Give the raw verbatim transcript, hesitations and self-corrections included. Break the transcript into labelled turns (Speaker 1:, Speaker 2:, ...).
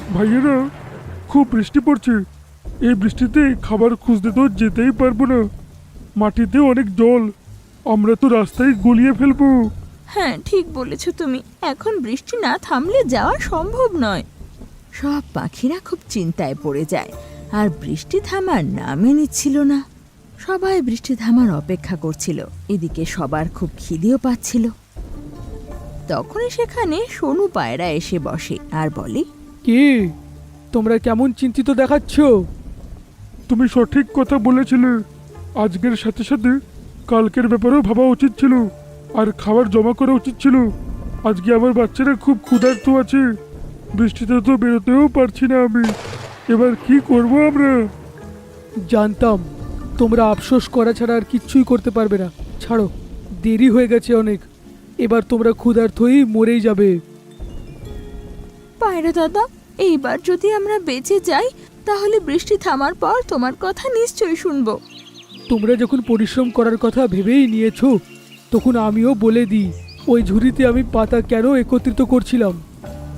Speaker 1: ভাইয়েরা, খুব বৃষ্টি পড়ছে। এই বৃষ্টিতে খাবার খুঁজতে তো যেতেই পারবো না। মাটিতে অনেক জল, আমরা তো রাস্তায় গলিয়ে ফেলবো।
Speaker 2: হ্যাঁ, ঠিক বলেছ তুমি। এখন বৃষ্টি না থামলে যাওয়া সম্ভব নয়। সব পাখিরা খুব চিন্তায় পড়ে যায়, আর বৃষ্টি থামার নামই নিচ্ছিল না। সবাই বৃষ্টি থামার অপেক্ষা করছিল। এদিকে সবার খুব খিদেও পাচ্ছিল। তখনই সেখানে সোনু পায়রা এসে বসে আর বলে,
Speaker 3: কি তোমরা কেমন চিন্তিত দেখাচ্ছ?
Speaker 1: তুমি সঠিক কথা বলেছিলে। আজকের সাথে সাথে কালকের ব্যাপারেও ভাবা উচিত ছিল, আর খাবার জমা করা উচিত ছিল। আজকে আমার বাচ্চারা খুব ক্ষুধার্ত আছে, বৃষ্টিতে তো বেরোতেও পারছি না আমি। এবার কি করব আমরা?
Speaker 3: জানতাম তোমরা আফসোস করা ছাড়া আর কিচ্ছুই করতে পারবে না। ছাড়ো, দেরি হয়ে গেছে অনেক। এবার তোমরা ক্ষুধার্ত হয়েই মরেই যাবে।
Speaker 2: পায়রা দাদা, এইবার যদি আমরা বেঁচে যাই তাহলে বৃষ্টি থামার পর তোমার কথা নিশ্চয়ই শুনবো।
Speaker 3: তোমরা যখন পরিশ্রম করার কথা ভেবেই নিয়েছো, তখন আমিও বলে দিই ওই ঝুড়িতে আমি পাতা কেন একত্রিত করছিলাম।